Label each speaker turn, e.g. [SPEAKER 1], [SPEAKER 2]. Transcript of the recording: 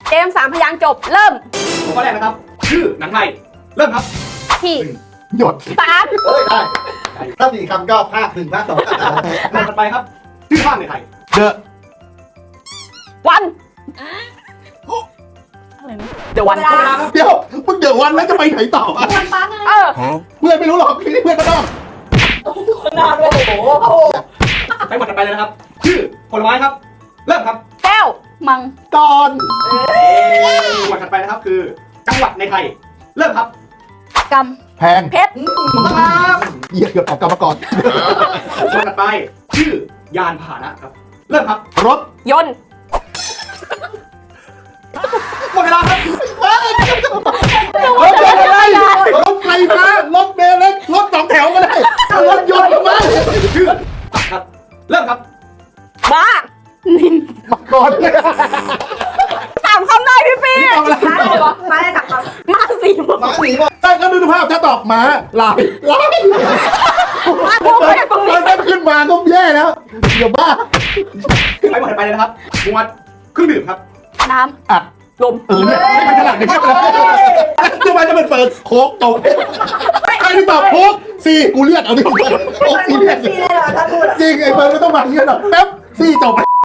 [SPEAKER 1] เกม3 พยางค์จบเริ่ม
[SPEAKER 2] ข้อแรกนะครับชื่อหนังไทยเริ่มครับ
[SPEAKER 1] ที่
[SPEAKER 3] หยด
[SPEAKER 1] 3
[SPEAKER 4] เอ้ยได้ถ้าสี่คำก็ภาคหนึ่งภาคสอง
[SPEAKER 2] หมวดถัดไปครับชื่อภาคในไทย
[SPEAKER 3] เดอะ
[SPEAKER 1] วันเดี๋ยววัน
[SPEAKER 2] หมดเวลาครับ
[SPEAKER 3] เดี๋ยวมึงเดี๋ยววันแล้วจะไปไหนต่ออะ
[SPEAKER 1] เออ
[SPEAKER 3] เพื่อนไม่รู้หรอกนี่เพื่อนก็ต้อง
[SPEAKER 2] ไปหมวดถัดไปเลยนะครับชื่อผลไม้ครับเริ่มครับ
[SPEAKER 1] แก้วมัง
[SPEAKER 3] ก่อน
[SPEAKER 2] หมวดถัดไปนะครับคือจังหวัดในไทยเริ่มครับ
[SPEAKER 1] ก
[SPEAKER 3] แพง
[SPEAKER 1] ำเพชร
[SPEAKER 2] ครับ
[SPEAKER 3] เหี้ยเกือบออกกรรมกร
[SPEAKER 2] หมวดถัดไปชื่อยานพาหนะครับเริ่มครับ
[SPEAKER 3] รถ
[SPEAKER 1] ยนต์
[SPEAKER 2] หมดเวลาครับ
[SPEAKER 3] รถอะไรรถไฟฟ้ารถเมล์เล็กรถสองแถวก็ได้รถยนต์ทำไม
[SPEAKER 2] ชื่อสัตว์ครับเริ่มครับ
[SPEAKER 1] บ้านิน
[SPEAKER 3] มาก่อน
[SPEAKER 1] 3 คำได้พี่ปี
[SPEAKER 3] เอาอะไร
[SPEAKER 1] มาได้จากคำมาสี่มา
[SPEAKER 4] หมาหนีบอก
[SPEAKER 3] ได้ก็ดูภาพถ้าตอบมาลายลาย
[SPEAKER 1] พูดไปตรงนี้
[SPEAKER 3] มันขึ้นมาก็แย่แล้วเดี๋ยวบ้า
[SPEAKER 2] ไปหมวดถัดไปเลยนะครับหมวดเครื่องดื่มครับ
[SPEAKER 1] น้
[SPEAKER 3] อัด
[SPEAKER 1] ำลม
[SPEAKER 3] เนี่ยไม่เป็นขนาดนี้แล้วคือมันจะเป็นเปิดโค้กจบใครที่ตอบโค้กสี่กูเรียกเอาดิโค้กสี่เรียกจริงไอ้เฟิร์นไม่ต้องมาเรียกหรอกแป๊บสี่จบ